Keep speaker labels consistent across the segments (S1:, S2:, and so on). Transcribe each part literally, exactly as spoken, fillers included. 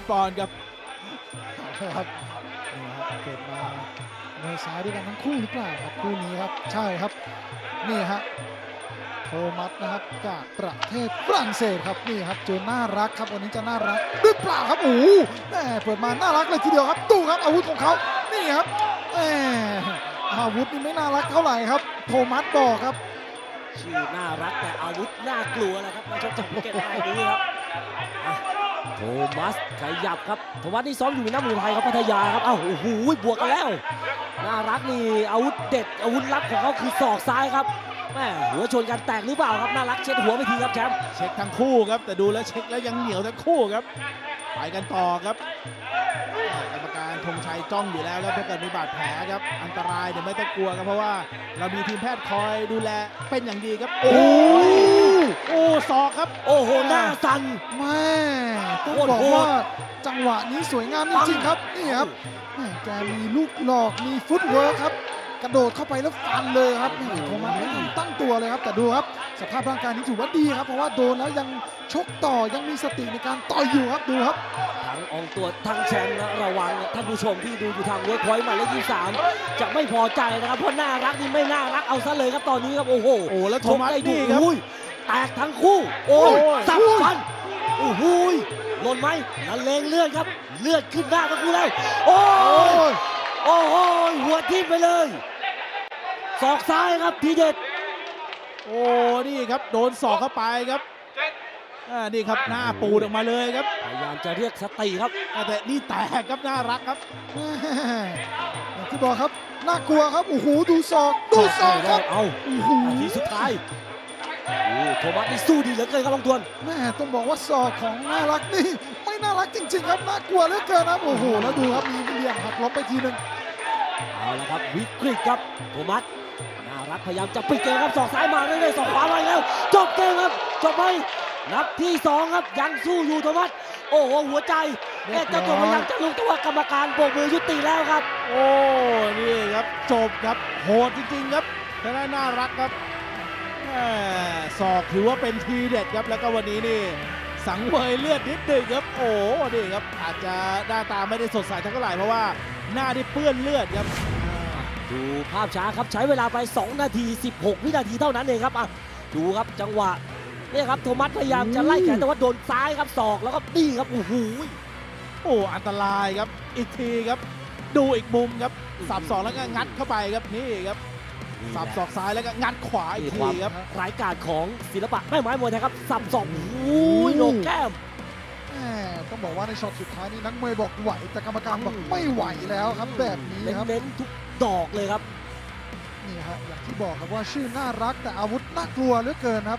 S1: ปอนด์ครับ
S2: ครับนี่ครับเกิดมาในซ้ายด้วยกันทั้งคู่หรือเปล่าครับคู่นี้ครับใช่ครับนี่ฮะโทมัสนะครับจากประเทศฝรั่งเศสครับนี่ครับเจอน่ารักครับวันนี้จะน่ารักหรือเปล่าครับโอ้โหแหมเปิดมาน่ารักเลยทีเดียวครับดูครับอาวุธของเขานี่ครับแหมอาวุธนี่ไม่น่ารักเท่าไหร่ครับโทมัสบอกครับ
S3: ชื่อน่ารักแต่อาวุธน่ากลัวแหละครับมาชกจากภูเก็ตรายนี้ครับอ่ะโทมัสขยับครับโทมัสนี่ซ้อมอยู่ในน้ำมือไทยครับพัทยาครับเอ้าโอ้โหบวกกันแล้วน่ารักนี่อาวุธเด็ดอาวุธลับของเขาคือศอกซ้ายครับแม่หัวชนกันแตกหรือเปล่าครับน่ารักเช็ดหัวไปทีครับแชมป์
S1: เช็คทั้งคู่ครับแต่ดูแล้วเช็คแล้วยังเหนียวทั้งคู่ครับไปกันต่อครับกรรมการธงชัยจ้องอยู่แล้วครับถ้าเกิดมีบาดแผลครับอันตรายเดี๋ยวไม่ต้องกลัวครับเพราะว่าเรามีทีมแพทย์คอยดูแลเป็นอย่างดีครับโอ้โอ้ศอกครับ
S3: โอ้โหหน้าสั่น
S2: แม่ต้อง
S3: โคตร
S2: บอก
S3: โหด
S2: ว่าจังหวะนี้สวยงามจริงๆครับนี่ครับแม่แกมีลูกหลอกมีฟุตเวิร์คครับกระโดดเข้าไปแล้วฟันเลยครับนี่โทมัสไม่ทันตั้งตัวเลยครับแต่ดูครับสภาพร่างกายนี้ถือว่าดีครับเพราะว่าโดนแล้วยังชกต่อยังมีสติในการต่อยอยู่ครับดูครับ
S3: ทั้งอองตัวทั้งแชมป์นะระวังท่านผู้ชมที่ดูอยู่ทางเวิร์คพอยต์หมายเลขยี่สิบสามจะไม่พอใจนะครับเพราะน่ารักนี่ไม่น่ารักเอาซะเลยครับตอนนี้ครับโอ้โห
S1: โอ้แล้วโทมัส
S3: ชกได้ดู
S1: นี่ครับ
S3: อุ้ยแตกทั้งคู่ โอ้ย
S1: โอ้ย
S3: สับฟันโอ้โหยหล่นไหมนันเลงเลือดครับเลือดขึ้นหน้าทั้งคู่แล้วโอ้ยโอ้โหยหัวทิ่มไปเลยศอกซ้ายครับทีเด็ด
S1: โอ้นี่ครับโดนศอกเข้าไปครับอ่านี่ครับหน้าปูดออกมาเลยครับ
S3: พยายามจะเรียกสติครับ
S1: อ่าแต่นี่แตกครับน่ารักครับ
S2: แม่อย่างที่บอกครับน่ากลัวครับโอ้โหดูศอกดูศอกครับ
S3: เอา
S2: โอ้โห
S3: นาทีสุดท้ายโอ้โทมัสนี่สู้ดีเหลือเกินครับบางทวน
S2: แม่ต้องบอกว่าศอกของน่ารักนี่ไม่น่ารักจริงๆครับน่ากลัวเหลือเกินครับโอ้โหแล้วดูครับมีเหลี่ยมหักล้มไปทีหนึง
S3: เอาละครับวิกฤตครับโทมัสน่ารักพยายามจะปิดเกมครับศอกซ้ายมาเรื่อยๆศอกขวามาอีกแล้วจบเกมครับจบไปนับที่สองครับยังสู้อยู่โทมัสโอ้โหหัวใจแม่เจ้าตัวพยายามจะลุกแต่ว่ากรรมการโบกมือยุติแล้วครับ
S1: โอ้นี่ครับจบครับโหดจริงๆครับแต่น่าน่ารักครับแหม่ศอกถือว่าเป็นทีเด็ดครับแล้วก็วันนี้นี่สังเวยเลือดนิดหนึงครับโอ้นี่ครับอาจจะหน้าตาไม่ได้สดใสเท่าไหร่เพราะว่าหน้าที่เปื้อนเลือดครับ
S3: ดูภาพช้าครับใช้เวลาไปสองนาทีสิบหกวินาทีเท่านั้นเองครับอ่ะดูครับจังหวะนี่ครับโทมัสพยายามจะไล่แขนแต่ว่าโดนซ้ายครับศอกแล้วก็นี่ครับโอ้โห
S1: โอ้อันตรายครับอีกทีครับดูอีกมุมครับสับศอกแล้วก็งัดเข้าไปครับนี่ครับสับศอกซ้ายแล้วก็งัดขวาอีก
S3: นี่ค
S1: ที
S3: วาม
S1: ครับ
S3: ร้ายกาจของศิลปะแม่ไม้มวยไทยครับสับศอกโอ้ยโหนกแก้ม
S2: แม่ต้องบอกว่าในช็อตสุดท้ายนี่นักมวยบอกไหวแต่กรรมการบอกไม่ไหวแล้วครับแบบนี้ครับ
S3: เน้นๆทุกดอกเลยครับ
S2: นี่ฮะอย่างที่บอกครับว่าชื่อน่ารักแต่อาวุธน่ากลัวเหลือเกินครับ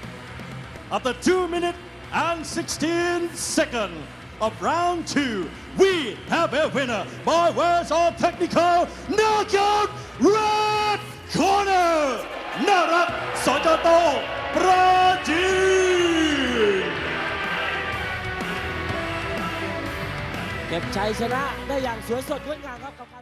S4: After two minutes and sixteen seconds of round two, we have a winner by words of technical knockout red corner. Narak Sojato Prajin.
S3: เก็บชัยชนะได้อย่างสวยสดงดงามครับกับ